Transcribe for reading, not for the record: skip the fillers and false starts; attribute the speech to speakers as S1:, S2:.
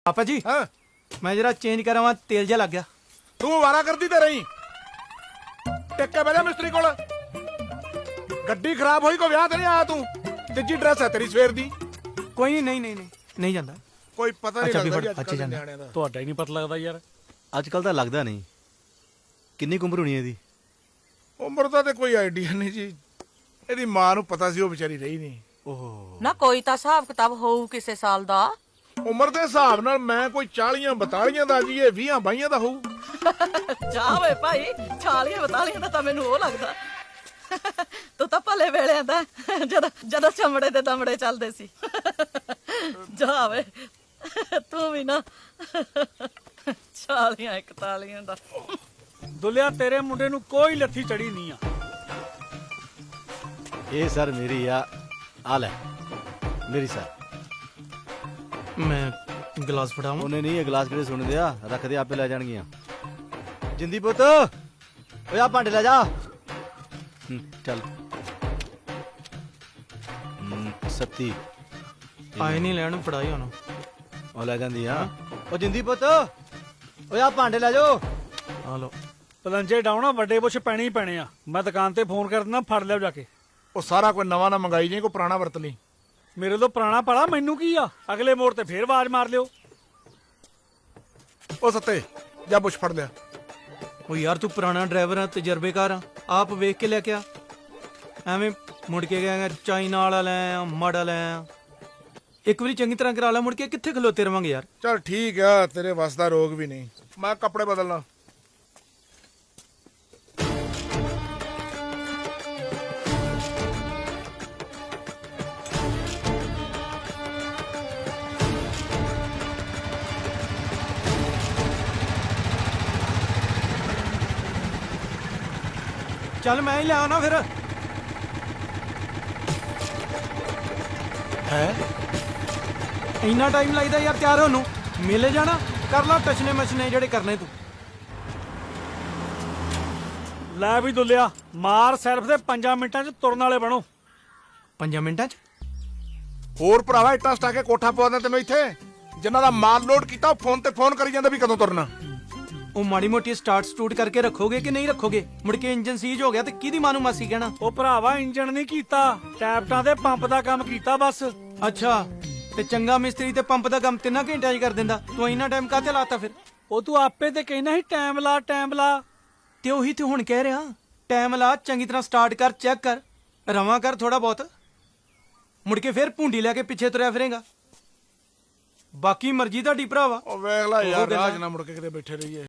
S1: पापा जी
S2: हाँ
S1: मैं जरा चेंज करा वहां तेल जा लग गया।
S2: तू वारा करती ते रही टेके बजा मिस्त्री कोल गड्डी खराब होई को ब्याह ते नहीं आया तू तिजी ड्रेस है तेरी सवेर दी
S1: कोई नहीं नहीं नहीं नहीं नहीं जाता।
S2: कोई पता नहीं
S1: अच्छा,
S2: लगदा
S1: भी
S2: जी
S1: अच्छे
S2: अजकल
S1: जाना।
S2: नियाणिਆਂ ਦਾ
S3: ਤੁਹਾਡਾ ਹੀ ਨਹੀਂ ਪਤਾ ਲੱਗਦਾ ਯਾਰ।
S4: ਅੱਜ ਕੱਲ ਤਾਂ ਲੱਗਦਾ ਨਹੀਂ। ਕਿੰਨੀ ਕੁ ਉਮਰ ਹੋਣੀ ਇਹਦੀ?
S2: ਉਮਰ ਦਾ ਤੇ ਕੋਈ ਆਈਡੀਆ ਨਹੀਂ ਜੀ ਇਹਦੀ ਮਾਂ ਨੂੰ ਪਤਾ ਸੀ ਉਹ ਵਿਚਾਰੀ ਰਹੀ ਨਹੀਂ
S4: ਓਹ
S5: ਨਾ ਕੋਈ ਤਾਂ ਹਿਸਾਬ ਕਿਤਾਬ ਹੋਊ ਕਿਸੇ ਸਾਲ ਦਾ।
S2: ਉਮਰ ਦੇ ਹਿਸਾਬ ਨਾਲ ਮੈਂ ਕੋਈ 40 42 ਦਾ ਜੀ ਇਹ 20 22 ਦਾ ਹੋਊ
S5: ਜਾ ਵੇ ਭਾਈ 40 42 ਦਾ ਤਾਂ ਮੈਨੂੰ ਉਹ ਲੱਗਦਾ। ਤੂੰ ਤਾਂ ਭਲੇ ਵੇਲਿਆਂ ਦਾ ਜਦੋਂ ਚਮੜੇ ਤੇ ਦਮੜੇ ਚੱਲਦੇ ਸੀ। ਜਾ ਵੇ ਤੂੰ ਵੀ ਨਾ 40 41 ਦਾ।
S3: ਦੁੱਲਿਆ ਤੇਰੇ ਮੁੰਡੇ ਨੂੰ ਕੋਈ ਲੱਥੀ ਚੜੀ ਨਹੀਂ ਆ।
S4: ਇਹ ਸਰ ਮੇਰੀ ਆ ਲੈ ਮੇਰੀ ਸਰ।
S1: मैं गिलास फटाऊं।
S4: ਉਹਨੇ ਨਹੀਂ ਇਹ ਗਲਾਸ ਕਿਹੜੇ ਸੁਣਦੇ ਆ ਰੱਖਦੇ ਆਪੇ ਲੈ ਜਾਣਗੀਆਂ। ਜਿੰਦੀ ਪੁੱਤ ਓਏ ਆ ਭਾਂਡੇ ਲੈ ਜਾ। ਚੱਲ ਸੱਤੀ
S1: आए नहीं लैन फड़ाई होना।
S4: ਉਹ ਲੈ ਜਾਂਦੀ ਆ। ਉਹ ਜਿੰਦੀ ਪੁੱਤ ਓਏ ਆ ਭਾਂਡੇ ਲੈ ਜਾਓ।
S1: हेलो
S3: ਪਲੰਜੇ ਡਾਉਣਾ ਵੱਡੇ ਬੁੱਛ ਪੈਣੇ ਹੀ ਪੈਣੇ ਆ। ਮੈਂ ਦੁਕਾਨ ਤੇ ਫੋਨ ਕਰ ਦਿੰਦਾ ਫੜ ਲਿਓ ਜਾ ਕੇ।
S2: ਉਹ ਸਾਰਾ ਕੋਈ ਨਵਾਂ ਨਾ ਮੰਗਾਈ ਜੇ ਕੋਈ ਪੁਰਾਣਾ ਵਰਤ ਲਈ
S3: ਮੇਰੇ ਤੋਂ ਪੁਰਾਣਾ ਪੜਾ ਮੈਨੂੰ ਕੀ ਆ। ਅਗਲੇ ਮੋੜ ਤੇ ਫੇਰ ਆਵਾਜ਼ ਮਾਰ ਲਿਓ।
S2: ਉਹ ਸੱਤੇ ਜਾ ਬੁੱਛ ਫੜ ਲਿਆ
S1: ਉਹ ਯਾਰ ਤੂੰ ਪੁਰਾਣਾ ਡਰਾਈਵਰ ਆ ਤਜਰਬੇਕਾਰ ਆ ਆਪ ਵੇਖ ਕੇ ਲੈ ਕੇ ਆ ਐਵੇਂ ਮੁੜ ਕੇ ਗਏ ਚਾਈਨਾ ਵਾਲਾ ਲੈ ਆ ਮਾੜਾ ਲੈ ਆ ਇੱਕ ਵਾਰੀ ਚੰਗੀ ਤਰ੍ਹਾਂ ਕਰਾ ਲਾ ਮੁੜ ਕੇ ਕਿੱਥੇ ਖਲੋਤੇ ਰਵਾਂਗੇ ਯਾਰ।
S2: ਚਲ ਠੀਕ ਆ ਤੇਰੇ ਵੱਸ ਦਾ ਰੋਗ ਵੀ ਨਹੀਂ ਮੈਂ ਕੱਪੜੇ ਬਦਲਣਾ
S1: ਚੱਲ ਮੈਂ ਹੀ ਲੈ ਆਉਣਾ ਫਿਰ।
S2: ਹੈ
S1: ਇੰਨਾ ਟਾਈਮ ਲੱਗਦਾ ਯਾਰ ਤਿਆਰ ਹੋਣ ਨੂੰ। ਮੇਲੇ ਜਾਣਾ ਕਰ ਲਾ ਟਚਨੇ ਮਚਨੇ ਜਿਹੜੇ ਕਰਨੇ ਤੂੰ।
S3: ਲੈ ਵੀ ਦੁੱਲਿਆ ਮਾਰ ਸਿਰਫ ਦੇ 5 ਮਿੰਟਾਂ 'ਚ ਤੁਰਨ ਵਾਲੇ ਬਣੋ।
S1: 5 ਮਿੰਟਾਂ 'ਚ
S2: ਹੋਰ ਭਰਾਵਾ ਇੱਟਾਂ ਸਟਾ ਕੇ ਕੋਠਾ ਪਵਾਉਂਦਾ ਤੈਨੂੰ ਇੱਥੇ ਜਿਨ੍ਹਾਂ ਦਾ ਮਾਲ ਲੋਡ ਕੀਤਾ ਉਹ ਫੋਨ ਤੇ ਫੋਨ ਕਰੀ ਜਾਂਦਾ ਵੀ ਕਦੋਂ ਤੁਰਨਾ।
S1: ਉਹ ਮਾੜੀ ਮੋਟੀ ਸਟਾਰਟ ਸਟੂਟ ਕਰਕੇ ਰੱਖੋਗੇ ਕਿ ਨਹੀਂ ਰੱਖੋਗੇ? ਮੁੜ ਕੇ ਇੰਜਨ ਸੀਜ ਹੋ ਗਿਆ ਤੇ ਕਿਹਦੀ ਮਾਂ ਨੂੰ ਮਾਸੀ ਕਹਿਣਾ?
S3: ਉਹ ਭਰਾਵਾ ਇੰਜਣ ਨਹੀਂ ਕੀਤਾ ਟੈਪਟਾਂ ਤੇ ਪੰਪ ਦਾ ਕੰਮ ਕੀਤਾ ਬਸ।
S1: ਅੱਛਾ ਤੇ ਚੰਗਾ ਮਿਸਤਰੀ ਤੇ ਪੰਪ ਦਾ ਕੰਮ 3 ਘੰਟਿਆਂ 'ਚ ਕਰ ਦਿੰਦਾ। ਤੂੰ ਇੰਨਾ ਟਾਈਮ ਕਾਹਤੇ ਲਾਤਾ ਫਿਰ?
S3: ਉਹ ਤੂੰ ਆਪੇ ਤੇ ਕਹਿਣਾ ਸੀ ਟਾਈਮ ਲਾ ਟਾਈਮ ਲਾ।
S1: ਤੇ ਉਹੀ ਤੇ ਹੁਣ ਕਹਿ ਰਿਹਾ ਟਾਈਮ ਲਾ ਚੰਗੀ ਤਰ੍ਹਾਂ ਸਟਾਰਟ ਕਰ ਚੈੱਕ ਕਰ ਰਵਾਂ ਕਰ ਥੋੜਾ ਬਹੁਤ ਮੁੜ ਕੇ ਫਿਰ ਭੁੰਡੀ ਲੈ ਕੇ ਪਿੱਛੇ ਤੁਰਿਆ ਫਿਰੇਗਾ। ਬਾਕੀ ਮਰਜ਼ੀ ਤੁਹਾਡੀ ਭਰਾਵਾ।
S2: ਉਹ ਵੇਖ ਲੈ
S1: ਉਹ
S2: ਯਾਰ
S1: ਗੱਲਾਂ।
S2: ਰਾਜ ਨਾ ਮੁੜ ਕੇ ਕਿਤੇ ਬੈਠੇ ਰਹੀਏ।